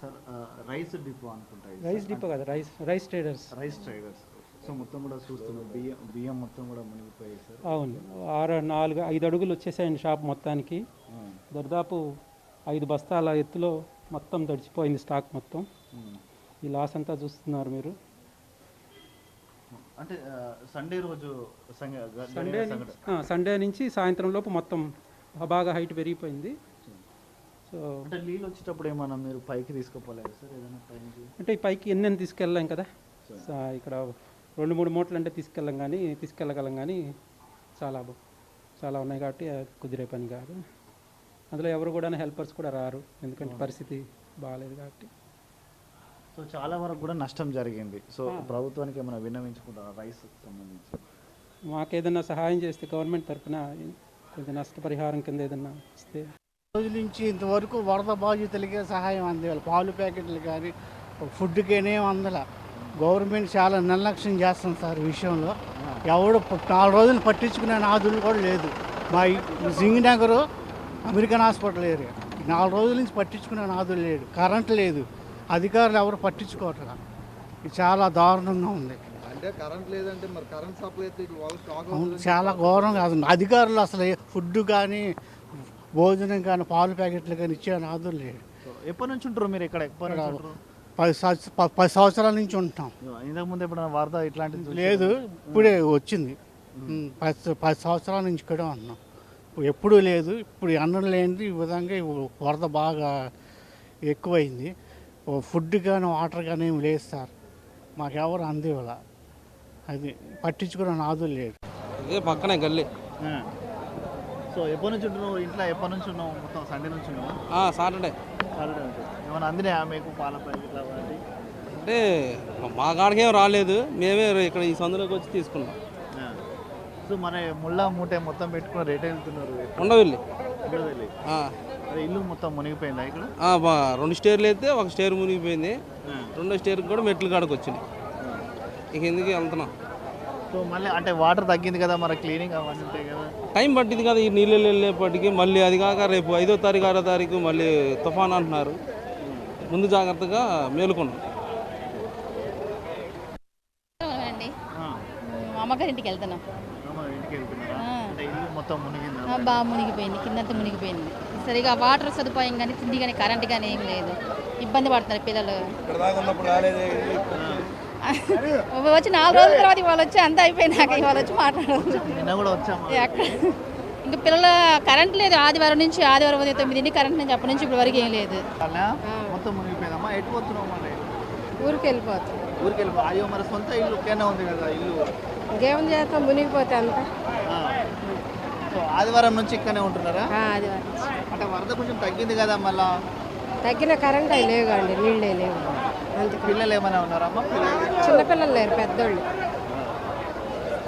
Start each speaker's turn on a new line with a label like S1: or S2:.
S1: Sir rice depot అనుకుంటా ఇది
S2: rice
S1: sir.
S2: Depot కదా, rice traders.
S1: Rice traders. So మొత్తం కూడా చూస్తున్నాం బియ్యం మొత్తం కూడా మునిగిపోయాయి సార్.
S2: అవును, 5 అడుగులు వచ్చేసాయండి షాప్ మొత్తానికి. దాదాపు 5 బస్తాల ఎత్తులో మొత్తం తడిచిపోయింది స్టాక్ మొత్తం. ఈ లాస్ అంతా చూస్తున్నారు మీరు.
S1: అంటే సండే రోజు
S2: సండే నుంచి సాయంత్రం లోపు మొత్తం బాగా హైట్ పెరిగిపోయింది. సో
S1: అంటే నీళ్ళు వచ్చేటప్పుడు ఏమన్నా మీరు పైకి తీసుకుపోలేదు సార్ ఏదైనా టైంకి?
S2: అంటే ఈ పైకి ఎన్నెన్ని తీసుకెళ్ళాం కదా, ఇక్కడ 2-3 మూటలు అంటే తీసుకెళ్ళగలం కానీ చాలా ఉన్నాయి కాబట్టి కుదిరే పని కాదు. అందులో ఎవరు కూడా హెల్పర్స్ కూడా రారు, ఎందుకంటే పరిస్థితి బాగాలేదు కాబట్టి.
S1: సో చాలా వరకు కూడా నష్టం జరిగింది. సో ప్రభుత్వానికి ఏమైనా విన్నవించుకుంటారా రైస్ సంబంధించి?
S2: మాకేదన్నా సహాయం చేస్తే గవర్నమెంట్ తరఫున కొంచెం నష్టపరిహారం కింద ఏదన్నా ఇస్తే.
S3: రోజుల నుంచి ఇంతవరకు వరద బాధితులకే సహాయం అందేవాళ్ళు. పాలు ప్యాకెట్లు కానీ ఫుడ్కేనే అందల. గవర్నమెంట్ చాలా నిర్లక్ష్యం చేస్తుంది సార్ ఈ విషయంలో. ఎవడు 4 రోజులు పట్టించుకునే నాదులు కూడా లేదు. మా సింగనగర్ అమెరికన్ హాస్పిటల్ ఏరియా 4 రోజుల నుంచి పట్టించుకునే నాదులు లేడు. కరెంట్ లేదు, అధికారులు ఎవరు పట్టించుకోవట్లా. ఇది చాలా దారుణంగా ఉంది.
S4: అంటే కరెంట్ లేదంటే మరి కరెంట్ సప్లై
S3: చాలా ఘోరం కాదు. అధికారులు అసలు ఫుడ్ కానీ భోజనం కానీ పాలు ప్యాకెట్లు కానీ ఇచ్చే నాదులు లేడు.
S1: ఎప్పటి నుంచి ఉంటారు మీరు ఇక్కడ?
S3: 10 సంవత్సరాల నుంచి ఉంటాం.
S1: ఇంతకుముందు ఎప్పుడైనా వరద ఇట్లాంటిది
S3: లేదు, ఇప్పుడే వచ్చింది. 10 సంవత్సరాల నుంచి ఇక్కడ ఉన్నాం. ఎప్పుడూ లేదు. ఇప్పుడు అన్నం లేనిది ఈ విధంగా వరద బాగా ఎక్కువైంది. ఫుడ్ కానీ వాటర్ కానీ ఏమి లేదు సార్. మాకెవరు అందేవాళ్ళ, అది పట్టించుకున్న నాదులు లేదు.
S5: ఇదే పక్కనే గల్లీ.
S1: సో ఎప్పటి నుంచి ఉంటున్నావు ఇంట్లో? ఎప్పటి నుంచి ఉన్నావు? మొత్తం సండే నుంచి ఉన్నావా?
S5: సాటర్డే
S1: నుంచి ఏమైనా అందినాయా మీకు పాల ప్యాకెట్ ఇట్లా అలాంటి?
S5: అంటే మా కాడికేం రాలేదు, మేమే ఇక్కడ ఈ సందులోకి వచ్చి తీసుకున్నాం.
S1: సో మన ముళ్ళ మూట మొత్తం పెట్టుకున్న రేట్ వెళ్తున్నారు.
S5: ఉండవెళ్ళి
S1: అదే ఇల్లు మొత్తం మునిగిపోయిందా ఇక్కడ?
S5: 2 స్టేర్లు అయితే 1 స్టేర్ మునిగిపోయింది, 2వ స్టేర్కి కూడా మెట్ల కాడకు వచ్చింది. ఇక ఎందుకు వెళ్తున్నాం.
S1: సో మళ్ళీ అంటే వాటర్ తగ్గింది కదా, మరి క్లీనింగ్ అవన్నీ ఉంటాయి కదా,
S5: టైం పట్టింది కదా ఈ నీళ్ళు వెళ్ళేపటికి. మళ్ళీ అది కాక రేపు 5వ తారీఖు 6వ తారీఖు మళ్ళీ తుఫాన్ అంటున్నారు. ముందు జాగ్రత్తగా మేలుకున్నాం.
S6: అమ్మగారింటికి వెళ్తున్నాం. బాగా మునిగిపోయింది, కిందంతా మునిగిపోయింది. సరిగా వాటర్ సదుపాయం కానీ తిండి కానీ కరెంట్ కానీ ఏం లేదు. ఇబ్బంది పడుతున్నారు పిల్లలు. వచ్చి 4 రోజుల తర్వాత ఇవాళ వచ్చి అంతా అయిపోయినాక ఇవాళ వచ్చి మాట్లాడవచ్చు. ఇంకా పిల్లల కరెంట్ లేదు. ఆదివారం నుంచి ఆదివారం ఉదయం 9 కరెంట్ నుంచి అప్పటి నుంచి ఇప్పటి వరకు ఏం లేదు.
S7: ఊరికి వెళ్ళిపోతాం.
S1: అయ్యో మరి సొంత ఇల్లు ఒకేనా ఉంది కదా, ఇల్లు
S7: ఇంకేం చేస్తాం, మునిగిపోతే అంతా.
S1: సో ఆదివారం నుంచి ఇక్కడనే ఉంటున్నారా?
S7: ఆదివారం
S1: అంటే వరద కొంచెం తగ్గింది కదా, మళ్ళా
S7: తగ్గిన కరెంట్ అవి లేవు అండి, నీళ్ళే లేవు.
S1: పిల్లలు ఏమైనా ఉన్నారమ్మా?
S7: చిన్నపిల్లలు లేరు, పెద్దోళ్ళు.